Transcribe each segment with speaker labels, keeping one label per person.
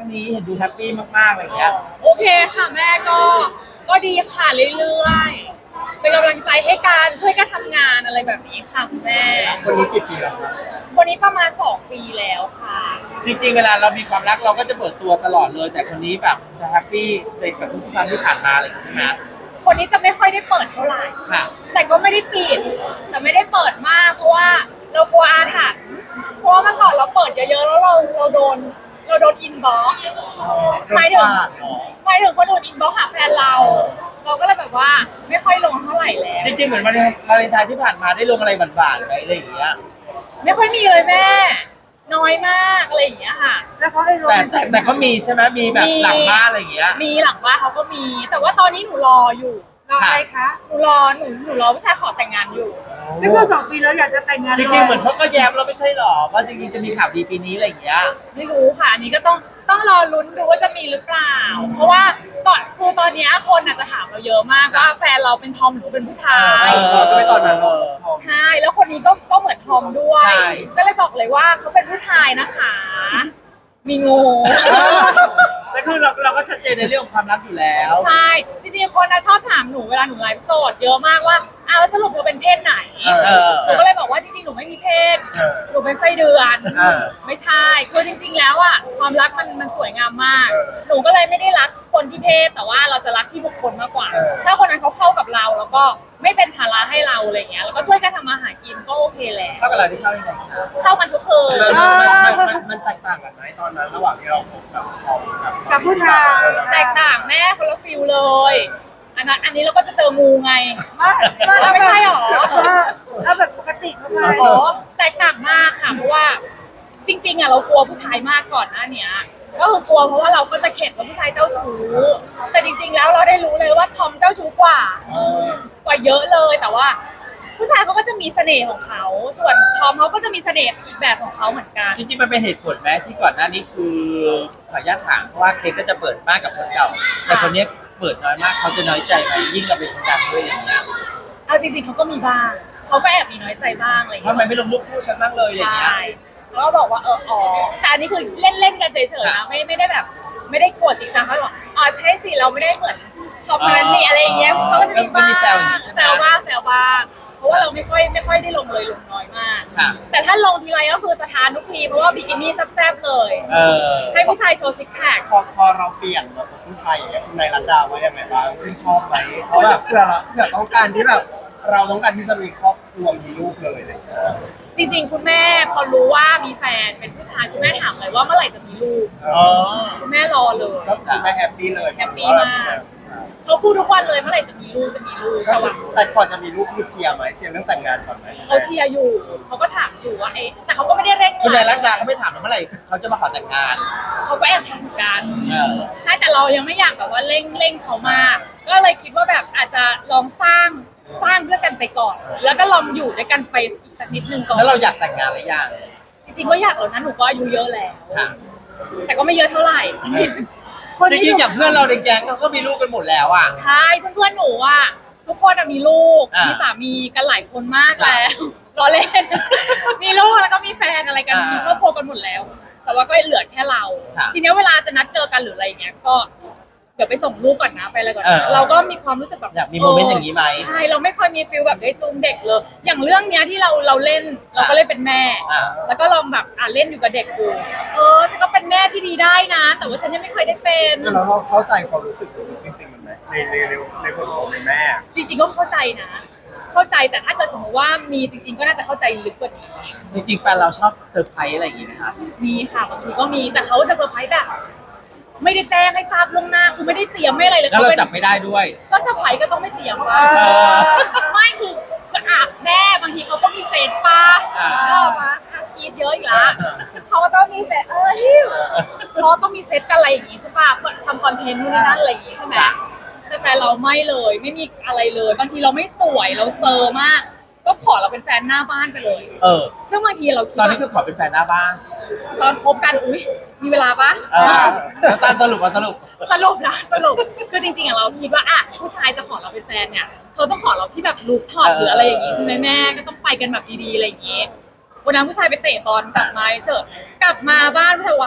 Speaker 1: นี้เห็นดูแฮปปี้มากๆอะไรอย่างเงี้ย
Speaker 2: โอเคค่ะแม่ก็ดีค่ะเรื่อยๆเป็นกำลังใจให้การช่วยกันทำงานอะไรแบบนี้ค่ะคุณแม่
Speaker 3: คนนี้กี่ปีแล้วครับ
Speaker 2: คนนี้ประมาณ2 ปีแล้วค่ะ
Speaker 1: จริงๆเวลาเรามีความรักเราก็จะเปิดตัวตลอดเลย แต่คนนี้แบบจะแฮปปี้ในกับทุกๆครั้งที่ผ่านมาอะไรอย่างเงี้ยใช่ไหม
Speaker 2: คนนี้จะไม่ค่อยได้เปิดเท่าไหร่
Speaker 1: ค่ะ
Speaker 2: แต่ก็ไม่ได้ปิดแต่ไม่ได้เปิดมากเพราะว่าเรากลัวอาถรรพ์เพราะว่าเมื่อก่อนเราเปิดเยอะๆแล้วเราโดนอินบ็อกซ์หมายถึงคนอื่นอินบ็อกซ์หาแฟนเราก็เลยแบบว่าไม่ค่อยลงเท่าไหร่แล้ว
Speaker 1: จริงๆเหมือนวาเลนไทน์ที่ผ่านมาได้ลงอะไรหวานๆไปอะไรอย่างเงี้ย
Speaker 2: ไม่ค่อยมีเลยแม่น้อยมากอะไรอย่างเงี้ยค่ะ
Speaker 4: แล้วเขาให้โร
Speaker 1: แต่
Speaker 4: แมนติก
Speaker 1: แต่ก็มีใช่ไหมมีแบบหลังบ้านอะไรอย่างเงี้ย
Speaker 2: มีหลังบ้านเขาก็มี แต่ว่าตอนนี้หนูรออยู่
Speaker 4: รออะไรคะ
Speaker 2: หนูรอผู้ชายขอแต่งงานอยู่
Speaker 4: นี่ก็2 ปีแล้วอยากจะแต่งงาน
Speaker 1: จริงๆเหมือนเขาก็แย้มเราไม่ใช่หรอว่าจริงๆจะมีข่าวดีปีนี้อะไรอย่างเงี้ย
Speaker 2: ไม่รู้ค่ะอันนี้ก็ต้องรอลุ้นดูว่าจะมีหรือเปล่า เพราะว่าคือตอนเนี้ยคนอาจจะถามเราเยอะมากว่าแฟนเราเป็นทอมหรือเป็นผู้ชาย
Speaker 3: พอด้วยตอนนั้นเราทอง
Speaker 2: ใช่แล้วคนนี้ก็เหมือนทอมด้วย
Speaker 1: ใช่
Speaker 2: ก็เลยบอกเลยว่าเขาเป็นผู้ชายนะคะ มีงู
Speaker 1: แต่คือเราก็ชัดเจนในเรื่องของความรักอยู่แล้ว
Speaker 2: ใช่ จริงๆคนชอบถามหนูเวลาหนูไลฟ์สดเยอะมากว่าแล้วสรุปเธอเป็นเพศไหน
Speaker 1: เออ
Speaker 2: หนูก็เลยบอกว่าจริงๆหนูไม่มีเพศ หนูเป็นไส้เดือน
Speaker 3: เออ
Speaker 2: ไม่ใช่ คือจริงๆแล้วอ่ะความรักมันสวยงามมาก
Speaker 3: เออ
Speaker 2: หนูก็เลยไม่ได้รักคนที่เพศแต่ว่าเราจะรักที่บุคคลมากกว่า
Speaker 3: เออ
Speaker 2: ถ้าคนนั้นเขาเข้ากับเราแล้วก็ไม่เป็นภาระให้เราอะไรเงี้ยแล้วก็ช่วยกันทำมาหากินก็โอเคแล้ว
Speaker 1: เข้ากับเราที่เข้ายังไงคะ
Speaker 2: เข้ากันทุกคืน
Speaker 3: มันแตกต่างกันไหมตอนนั้นระหว่างที่เราคบกับทองกับ
Speaker 4: กับผู้ชาย
Speaker 2: แตกต่างแม่คนละฟิลเลย อันนี้เราก็จะเจองูไง ไม่ใช่หรอ
Speaker 4: เอาแบบปกติเข้าไป
Speaker 2: อ๋อแตกต่างมากค่ะเพราะว่าจริงๆอ่ะเรากลัวผู้ชายมากก่อนหน้าเนี้ยก็คือกลัวเพราะว่าเราก็จะเข็ดว่าผู้ชายเจ้าชู้แต่จริงๆแล้วเราได้รู้เลยว่าทอมเจ้าชู้กว่าเยอะเลยแต่ว่า ผู้ชายเขาก็จะมีเสน่ห์ของเขาส่วนทอมเขาก็จะมีเสน่ห์อีกแบบของเขาเหมือนกัน
Speaker 1: จริงๆมันเป็นเหตุผลไหมที่ก่อนหน้านี้คือขออนุญาตถามเพราะว่าเค้กก็จะเปิดมากกับคนเก่าแต่คนเนี้ยเปิดน้อยมากเขาจะน้อยใจไหมยิ่งเราเป็นคนดังด้วยอย่างเงี้ย
Speaker 2: เอาจริงๆเขาก็มีบ้างเขาก็แอบมีน้อยใจบ้างอะไรอย่าง
Speaker 1: ทำ
Speaker 2: เงี้ย
Speaker 1: ไมไม่ลงรูปคู่ฉันบ้างเลยอย่างเงี้ย
Speaker 2: ใช่แล้วก็บอกว่าอ๋อแต่อันนี้คือเล่นๆกันเฉยๆนะไม่ได้แบบไม่ได้โกรธจริงจังเขาบอกใช่สิเราไม่ได้เหมือนทอมนันนี่อะไรอย่างเงี้ยเขาก็จะมีบ้าง
Speaker 1: มีแซวอย่างนี้ใช่ไหม
Speaker 2: แซวบ้างเพราะว่าเราไม่ค่อยได้ลงเลยลงน้อยมาก
Speaker 1: ค่ะ
Speaker 2: แต่ถ้าลงทีไรก็คือสถานทุกทีเพราะว่าบิกินี่แซ่บๆเลย
Speaker 1: เออ
Speaker 2: ให้ผู้ชายโชว์ซิกแพค
Speaker 3: พอเราเปลี่ยนมาเป็นผู้ชายอย่างเงี้ยคุณนายรัตดาว่ายังไงบ้างชื่นชอบไหมเพราะแบบเพื่อต้องการที่แบบเราต้องการที่จะมีครอบครัวมีลูกเลยอะไรอย่างเงี้ย
Speaker 2: จริงๆคุณแม่พอรู้ว่ามีแฟนเป็นผู้ชายคุณแม่ถามเลยว่าเมื่อไหร่จะมีลูก
Speaker 1: อ๋อ
Speaker 2: คุณแม่รอเลย
Speaker 3: ก็คือไม่แฮปปี้เลย
Speaker 2: แฮปปี้มาก เขาพูดทุกวันเลยเมื่อไหร่จะมีลูก
Speaker 3: ก็
Speaker 2: แต่
Speaker 3: คือ
Speaker 2: ว่า
Speaker 3: แต่ก่อนจะมีลูกคือเชียร์ไหมเชียร์เรื่องแต่งงานก่อนไหม
Speaker 2: เขาเชียร์อยู่เขาก็ถามอยู่ว่าแต่เขาก็ไม่ได้เร่ง
Speaker 1: คุณนาย
Speaker 2: รั
Speaker 1: รั
Speaker 2: ด
Speaker 1: กดาเขาไม่ถามว่าเมื่อไหร่เขาจะมาขอแต่งงาน
Speaker 2: เขาก็แอบถามเหมือนกัน
Speaker 1: เออ
Speaker 2: ใช่แต่เรายังไม่อยากแบบว่าเร่งเขามาก ก็เลยคิดว่าแบบอาจจะลองสร้างด้วยกันไปก่อน แล้วก็ลองอยู่ด้วยกันไปอีกสักนิดนึงก่อน
Speaker 1: แล้วเราอยากแต่งงานหรือยัง
Speaker 2: จริงๆก็อยากแล้วนะหนูก็อายุเยอะแล้ว
Speaker 1: ค่ะ
Speaker 2: แต่ก็ไม่เยอะเท่าไหร่
Speaker 1: จริงๆอย่างเพื่อนเราในแก๊งเขาก็มีลูกกันหมดแล้วอ่ะ
Speaker 2: ใช่เพื่อนๆหนูอ่ะทุกคนอะมีลูก
Speaker 1: อ่ามี
Speaker 2: มีสามีกันหลายคนมากแล้ว รอเล่น มีลูกแล้วก็มีแฟนอะไรกัน
Speaker 1: อ่ามี
Speaker 2: มีครอบครัวกันหมดแล้ว แต่ว่าก็เหลือแค่เรา
Speaker 1: ค่ะ
Speaker 2: ทีเนี้ยเวลาจะนัดเจอกันหรืออะไรอย่างเงี้ยก็เดี๋ยวไปส่งลูกก่อนนะไปอะไรก่อน
Speaker 1: เออ
Speaker 2: นะเราก็มีความรู้สึกแบบ
Speaker 1: อยากมีโมเมนต์อย่างนี้ไหม
Speaker 2: ใช่เราไม่ค่อยมีฟิลแบบได้จูงเด็กเลย อย่างเรื่องเนี้ยที่เราเล่นเราก็เล่นเป็นแม่
Speaker 1: อ่า
Speaker 2: แล้วก็ลองแบบเล่นอยู่กับเด็กดูฉันก็เป็นแม่ที่ดีได้นะ แต่ว่าฉันยังไม่เคยได้เป็น
Speaker 3: แล้วเราเข้าใจความรู้สึกของลูกจริงๆมันไหมในบทของเป็นแม่
Speaker 2: จริงๆก็เข้าใจนะ เข้าใจแต่ถ้าเกิดสมมติว่ามีจริงๆก็น่าจะเข้าใจลึกกว่านี้
Speaker 1: จริงๆแฟนเราชอบเซอร์ไพรส์อะไรอย่างงี้ไหมคะ
Speaker 2: มีค่ะบางทีก็มีแต่เขาจะเซอร์ไพรส์แบบไม่ได้แจ้งให้ทราบล่วงหน้าคือไม่ได้เตรียมไม่อะไรเลย
Speaker 1: แล้วเรา
Speaker 2: ป็น
Speaker 1: จับไม่ได้ด้วย
Speaker 2: ก็เซอร์ไพรส์ก็ต้องไม่เตรียมว่า
Speaker 1: เออ
Speaker 2: ไม่คือแม่บางทีเขาก็มีเซตป้า
Speaker 1: อ่า
Speaker 2: ก็มาคิดเยอะอีกแล้วเขาก็ต้องมีเซตฮิวเขาต้องมีเซตกันอะไรอย่างงี้ใช่ป่ะเพื่อทำคอนเทนต์นู่นนี่นั่นอะไรอย่างงี้ใช่ไหมแต่แฟนเราไม่เลยไม่มีอะไรเลยบางทีเราไม่สวยเราเซอร์มาก ก็ขอเราเป็นแฟนหน้าบ้านไปเลย
Speaker 1: เออ
Speaker 2: ซึ่งบางทีเราคิด
Speaker 1: ตอนนี้คือขอเป็นแฟนหน้าบ้าน
Speaker 2: ตอนคบกันอุ๊ยมีเวลาปะ
Speaker 1: แล้วตามสรุปว่าสรุป
Speaker 2: สรุปคือจริงๆเราคิดว่าผู้ชายจะขอเราเป็นแฟนเนี่ยเขาต้องขอเราที่แบบลูกท็อปหรืออะไรอย่างงี้ใช่ไหมแม่ก็ต้องไปกันแบบดีๆอะไรอย่างงี้วันนั้นผู้ชายไปเตะบอลกลับมาเจอกลับมาบ้านผู้ชายว่า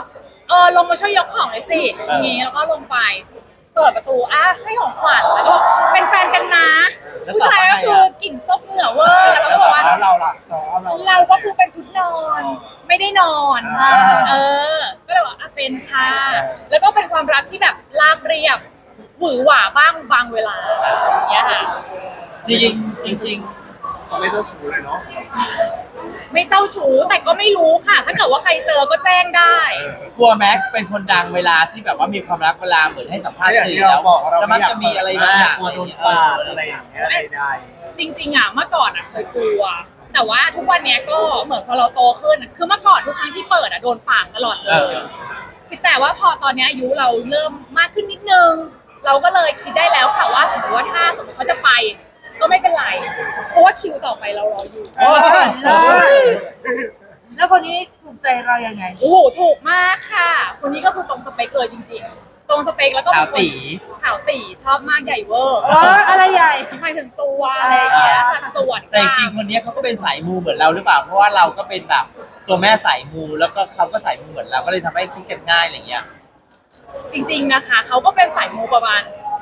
Speaker 2: ลงมาช่วยยกของเลยสิอย่างงี้แล้วก็ลงไปเปิดประตูให้ของขวัญแล้วก็บอกเป็นแฟนกันนะผู้ชายก็คือกลิ่นซบเหงื่อเวอร์แล้วก็บอกว่า
Speaker 3: แล้วเราล่ะเรา
Speaker 2: เราก็คือเป็นชุดนอน ไม่ได้นอนก็เลยว่าเป็นค่ะแล้วก็เป็นความรักที่แบบราบเรียบหวือหวาบ้างบางเวลาอย่างเงี้ยค่ะ
Speaker 1: จริง
Speaker 3: เขาไม่ต้องชูเลยเนาะ
Speaker 2: ไม่เจ้าชู้แต่ก็ไม่รู้ค่ะ ถ้าเกิดว่าใครเจอก็แจ้งได้
Speaker 1: กลัวแม็กเป็นคนดังเวลาที่แบบว่ามีความรักเวลาเหมือนให้สัมภาษณ์
Speaker 3: อย่าง
Speaker 1: สื่
Speaker 3: ที่
Speaker 1: อ
Speaker 3: เรา
Speaker 1: แล้ว
Speaker 3: บอกเรา
Speaker 1: แล้ว
Speaker 3: ไม่
Speaker 1: มัน
Speaker 3: อยาก
Speaker 1: จะมีอะไรบางอย่าง
Speaker 3: กลัวโดนปาดอะไรอย่างเงี้ยใด
Speaker 2: จริงๆเมื่อก่อนเคยกลัว แต่ว่าทุกวันเนี้ยก็เหมือนพอเราโตขึ้นคือเมื่อก่อนทุกครั้งที่เปิดโดนปากตลอดเลยแต่ว่าพอตอนนี้อายุเราเริ่มมากขึ้นนิดนึงเราก็เลยคิดได้แล้วค่ะว่าสมมติว่าถ้าสมมติเขาจะไปก็ไม่เป็นไรเพราะว่าคิวต่อไปเรารออยู่
Speaker 3: ๆโอ้ย
Speaker 4: แล้วคนนี้ถูกใจเรายังไง
Speaker 2: โอ้โหถูกมากค่ะ คนนี้ก็คือตรงสเปคเลยจริงๆ ตรงสเปคแล้วก็
Speaker 1: ขาวตี
Speaker 2: ขาวตีชอบมากใหญ่เวอร์
Speaker 4: อะไรใหญ่
Speaker 2: หมายถึงตัวอะไรอย่างเงี้ยสัดส่วน
Speaker 1: แต่จริงๆคนนี้เขาก็เป็นสายมูเหมือนเราหรือเปล่าเพราะว่าเราก็เป็นแบบตัวแม่สายมูแล้วก็เขาก็สายมูเหมือนเราก็เลยทำให้คิดกันง่ายอะไรเงี้ย
Speaker 2: จริงๆนะคะเขาก็เป็นสายมูประมาณ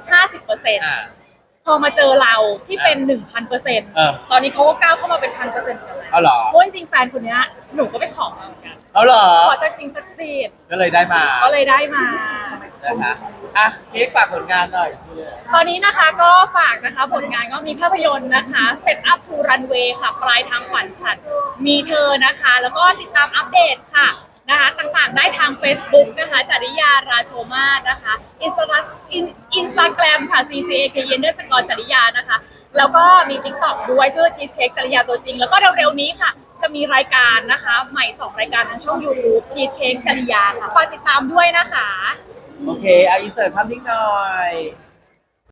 Speaker 2: 50%พอมาเจอเราที่เป็น 1,000%ตอนนี้เขาก็ก้าวเข้ามาเป็น 1,000%กันแล้ว
Speaker 1: เอาเหรอ
Speaker 2: เพราะจริงๆแฟนคนเนี้ยหนูก็ไปขอมาเหมือนกัน
Speaker 1: เอาเหรอ
Speaker 2: ขอจากสิ่งศักดิ์สิทธิ์
Speaker 1: ก็เลยได้มา
Speaker 2: ก็เลยได้มา
Speaker 1: นะคะเค้กฝากผลงานหน่อย
Speaker 2: ตอนนี้นะคะก็ฝากนะคะผลงานก็มีภาพยนตร์นะคะ Step Up to Runway ค่ะปลายทางฝันฉันมีเธอนะคะ แล้วก็ติดตามอัปเดตค่ะนะคะต่างๆได้ทาง Facebook นะคะจริยาราโชมาศนะคะInstagram ค่ะ CCAK จริยานะคะ แล้วก็มี TikTok ด้วยชื่อ Cheesecake จริยาตัวจริง แล้วก็เร็วๆนี้ค่ะ จะมีรายการนะคะใหม่ 2 รายการทางช่อง YouTube Cheesecake จริยาค่ะฝากติดตามด้วยนะคะ
Speaker 1: โอเคเอาอินเสิร์ตภาพนิ่งหน่อย